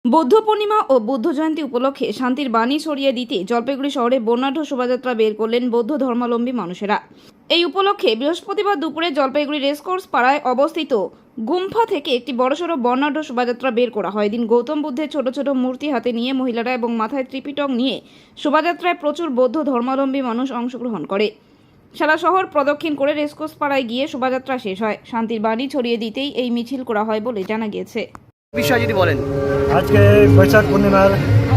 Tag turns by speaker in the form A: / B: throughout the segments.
A: বৌদ্ধ পূর্ণিমা ও বুদ্ধ জয়ন্তী উপলক্ষে শান্তির বাণী ছড়িয়ে দিতে জলপাইগুড়ি শহরে বর্ণাঢ্য শোভাযাত্রা বের করলেন বৌদ্ধ ধর্মাবলম্বী মানুষেরা। এই উপলক্ষে বৃহস্পতিবার দুপুরে জলপাইগুড়ি রেসকোর্স পাড়ায় অবস্থিত গুম্ফা থেকে একটি বড়সড় বর্ণাঢ্য শোভাযাত্রা বের করা হয়। এদিন গৌতম বুদ্ধের ছোট ছোট মূর্তি হাতে নিয়ে মহিলারা এবং মাথায় ত্রিপিটক নিয়ে শোভাযাত্রায় প্রচুর বৌদ্ধ ধর্মাবলম্বী মানুষ অংশগ্রহণ করে। সারা শহর প্রদক্ষিণ করে রেসকোর্স পাড়ায় গিয়ে শোভাযাত্রা শেষ হয়। শান্তির বাণী ছড়িয়ে দিতেই এই মিছিল করা হয় বলে জানা গিয়েছে।
B: বিষয় যদি বলেন,
C: আজকে বৈশাখ পূর্ণিমার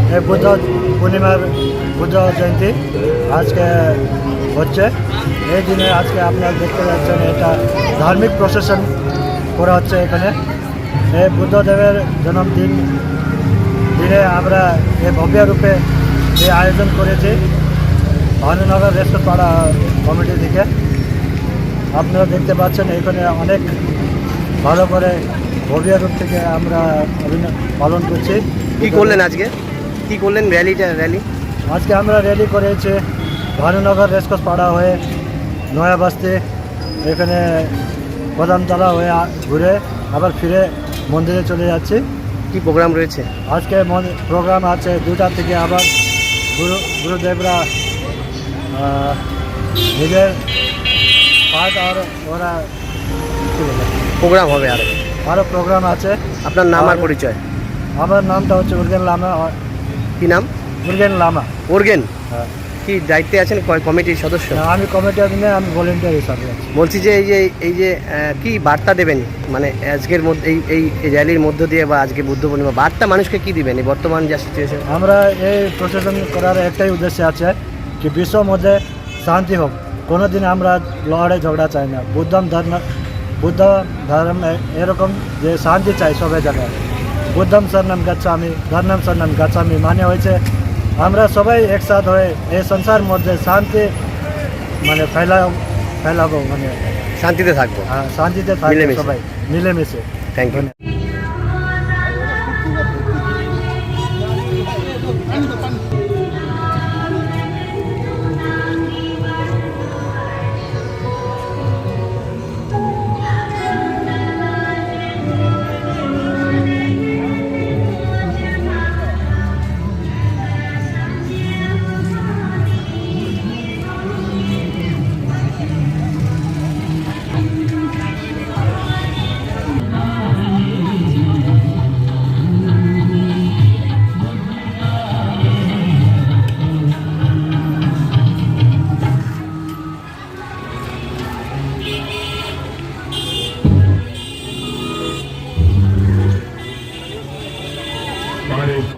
C: বুদ্ধ জয়ন্তী আজকে হচ্ছে। এই দিনে আজকে আপনারা দেখতে পাচ্ছেন এটা ধার্মিক প্রসেশন করা হচ্ছে এখানে। এই বুদ্ধদেবের জন্মদিন দিনে আমরা এই ভব্য রূপে এই আয়োজন করেছি ভানুনগর রেসকোর্স পাড়া কমিটি থেকে। আপনারা দেখতে পাচ্ছেন এখানে অনেক ভালো করে ভব্য রূপ থেকে আমরা পালন করছি।
B: কি করলেন আজকে, কি করলেন র্যালি?
C: আজকে আমরা র্যালি করেছি ভানুনগর রেসকোর্স পাড়া হয়ে নয়া বস্তি, এখানে কদমতলা হয়ে ঘুরে আবার ফিরে মন্দিরে চলে যাচ্ছি।
B: কি প্রোগ্রাম রয়েছে
C: আজকে? প্রোগ্রাম আছে 2টা থেকে। আবার গুরুদেবরা নিজের পাঠ আর ওরা
B: প্রোগ্রাম হবে,
C: আরও প্রোগ্রাম আছে।
B: আপনার নাম আর পরিচয়?
C: আমার নামটা হচ্ছে উর্গেন লামা।
B: কি নাম?
C: উর্গেন লামা।
B: ওরগেন।
C: হ্যাঁ।
B: কি দায়িত্বে আছেন কমিটির সদস্য?
C: আমি কমিটির দিনে আমি ভলেন্টিয়ার হিসাবে আছি।
B: বলছি যে এই যে কি বার্তা দেবেন, মানে আজকের মধ্যে এই র্যালির মধ্য দিয়ে বা আজকে বুদ্ধ পূর্ণিমা বার্তা মানুষকে কি দিবেন এই বর্তমান যা সিচুয়েশন?
C: আমরা এই প্রশাসন করার একটাই উদ্দেশ্য আছে কি বিশ্বের মধ্যে শান্তি হোক। কোনোদিন আমরা লড়াই ঝগড়া চাই না। বুদ্ধ ধর্ম এরকম যে শান্তি চাই সবাই জায়গায়। বুদ্ধম শরণম গচ্ছামি, ধর্মম শরণম গচ্ছামি মানে হয়েছে আমরা সবাই একসাথ হয়ে এই সংসার মধ্যে শান্তি মানে ফেলাবো, মানে
B: শান্তিতে থাকবো।
C: শান্তিতে থাকবো সবাই মিলেমিশে।
B: Thank you.